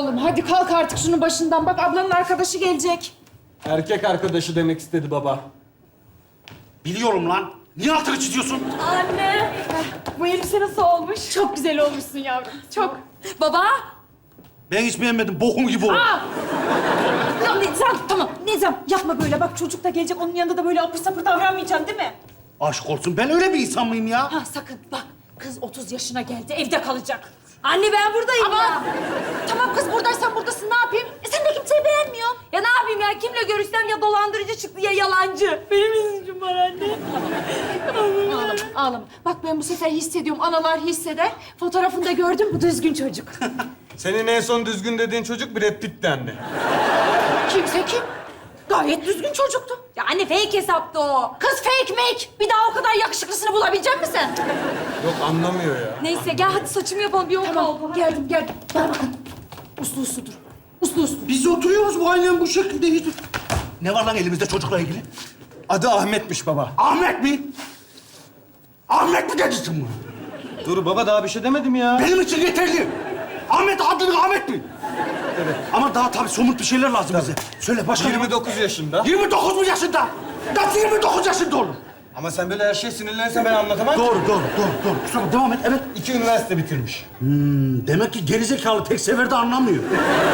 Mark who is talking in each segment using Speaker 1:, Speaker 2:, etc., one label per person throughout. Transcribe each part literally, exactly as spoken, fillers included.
Speaker 1: Oğlum hadi kalk artık şunun başından. Bak ablanın arkadaşı gelecek.
Speaker 2: Erkek arkadaşı demek istedi baba.
Speaker 3: Biliyorum lan. Niye altını çiziyorsun?
Speaker 1: Anne. Bu elbise nasıl olmuş? Çok güzel olmuşsun yavrum. Çok. Baba.
Speaker 3: Ben hiç beğenmedim. Bokum gibi oldu.
Speaker 1: Ya Nizam tamam. Nizam yapma böyle. Bak çocuk da gelecek. Onun yanında da böyle apır sapır davranmayacaksın değil mi?
Speaker 3: Aşk olsun. Ben öyle bir insan mıyım ya?
Speaker 1: Ha sakın bak. Kız otuz yaşına geldi. Evde kalacak.
Speaker 4: Anne ben buradayım
Speaker 1: Ama
Speaker 4: ya.
Speaker 1: tamam kız buradaysan buradasın. Ne yapayım? E sen de kimseyi beğenmiyorsun.
Speaker 4: Ya ne yapayım ya? Kimle görüşsem ya dolandırıcı çıktı ya yalancı. Benim yüzüm var anne.
Speaker 1: Ağlama, ağlama. Bak ben bu sefer hissediyorum. Analar hisseder. Fotoğrafında gördüm. Bu düzgün çocuk.
Speaker 2: Senin en son düzgün dediğin çocuk Brad Pitt'ti anne.
Speaker 1: Kimse kim? Gayet düzgün çocuktu.
Speaker 4: Ya anne fake hesaptı o.
Speaker 1: Kız fake make. Bir daha o kadar yakışıklısını bulabilecek misin?
Speaker 2: Yok anlamıyor ya.
Speaker 4: Neyse gel hadi saçımı yapalım. Bir yol kaldı.
Speaker 1: Tamam, geldim, geldim. Bana bakın. Uslu uslu dur. Uslu uslu.
Speaker 3: Biz oturuyoruz bu ailen bu şekilde hiç... Ne var lan elimizde çocukla ilgili?
Speaker 2: Adı Ahmet'miş baba.
Speaker 3: Ahmet mi? Ahmet mi dedin bunu?
Speaker 2: Dur baba daha bir şey demedim ya.
Speaker 3: Benim için yeterli. Ahmet adını Ahmet mi?
Speaker 2: Evet.
Speaker 3: Ama daha tabii somut bir şeyler lazım bize. Söyle başka ne var?
Speaker 2: yirmi dokuz yaşında.
Speaker 3: yirmi dokuz mu yaşında? Nasıl yirmi dokuz yaşında olur?
Speaker 2: Ama sen böyle her şeye sinirlenirsen ben anlatamam.
Speaker 3: Doğru, doğru, doğru, doğru. Kusura devam et, evet.
Speaker 2: İki üniversite bitirmiş.
Speaker 3: Hmm, demek ki gerizekalı tek seferde anlamıyor.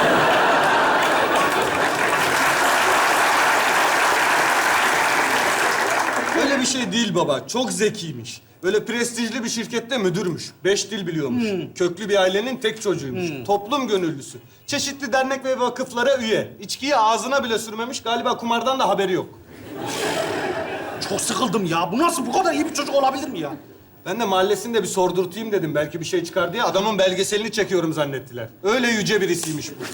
Speaker 2: Öyle bir şey değil baba. Çok zekiymiş. Böyle prestijli bir şirkette müdürmüş. Beş dil biliyormuş. Köklü bir ailenin tek çocuğuymuş. Toplum gönüllüsü. Çeşitli dernek ve vakıflara üye. İçkiyi ağzına bile sürmemiş. Galiba kumardan da haberi yok.
Speaker 3: Çok sıkıldım ya. Bu nasıl bu kadar iyi bir çocuk olabilir mi ya?
Speaker 2: Ben de mahallesinde bir sordurtayım dedim. Belki bir şey çıkar diye. Adamın belgeselini çekiyorum zannettiler. Öyle yüce birisiymiş bu.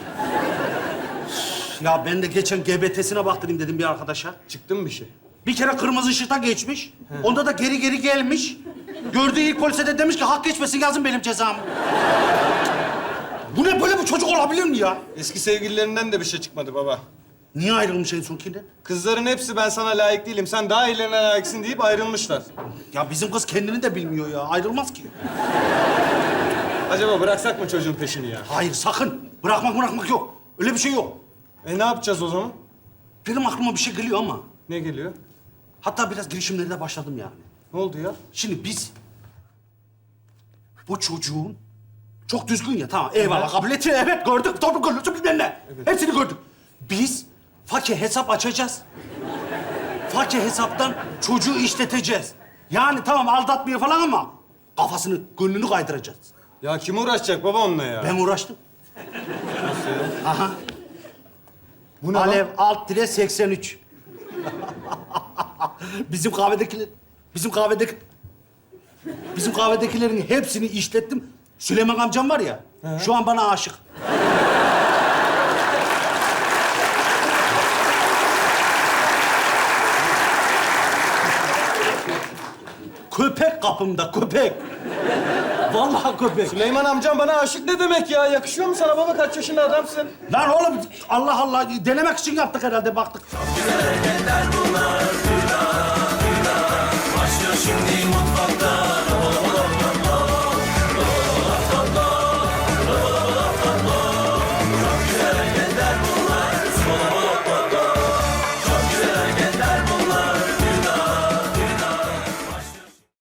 Speaker 3: Ya ben de geçen G B T'sine baktırayım dedim bir arkadaşa.
Speaker 2: Çıktı mı bir şey?
Speaker 3: Bir kere kırmızı ışıkta geçmiş. Onda da geri geri gelmiş. Gördüğü ilk polise de demiş ki hak geçmesin yazın benim cezamı. Bu ne böyle bir çocuk olabilir mi ya?
Speaker 2: Eski sevgililerinden de bir şey çıkmadı baba.
Speaker 3: Niye ayrılmış en sonkinden?
Speaker 2: Kızların hepsi ben sana layık değilim, sen daha iyilerine layıksın deyip ayrılmışlar.
Speaker 3: Ya bizim kız kendini de bilmiyor ya. Ayrılmaz ki.
Speaker 2: Acaba bıraksak mı çocuğun peşini ya?
Speaker 3: Hayır sakın. Bırakmak bırakmak yok. Öyle bir şey yok.
Speaker 2: E ne yapacağız o zaman?
Speaker 3: Benim aklıma bir şey geliyor ama.
Speaker 2: Ne geliyor?
Speaker 3: Hatta biraz girişimlere de başladım yani.
Speaker 2: Ne oldu ya?
Speaker 3: Şimdi biz bu çocuğun çok düzgün ya tamam eyvallah kabul ettin evet gördük toplu gönüllüsü bilmem ne. Hepsini gördük. Biz fakir hesap açacağız. Fakir hesaptan çocuğu işleteceğiz. Yani tamam aldatmıyor falan ama kafasını gönlünü kaydıracağız.
Speaker 2: Ya kim uğraşacak baba onunla ya?
Speaker 3: Ben uğraştım. Aha.
Speaker 2: Bu ne
Speaker 3: Alev
Speaker 2: lan?
Speaker 3: alt dire seksen üç. Bizim kahvedekiler, bizim kahvedeki, bizim kahvedekilerin hepsini işlettim. Süleyman amcam var ya, şu an bana aşık. Köpek kapımda, köpek. Vallahi köpek.
Speaker 2: Süleyman amcam bana aşık ne demek ya? Yakışıyor mu sana baba? Kaç yaşında adamsın?
Speaker 3: Lan oğlum, Allah Allah, denemek için yaptık herhalde, baktık.
Speaker 5: Başlıyor şimdi mutfakta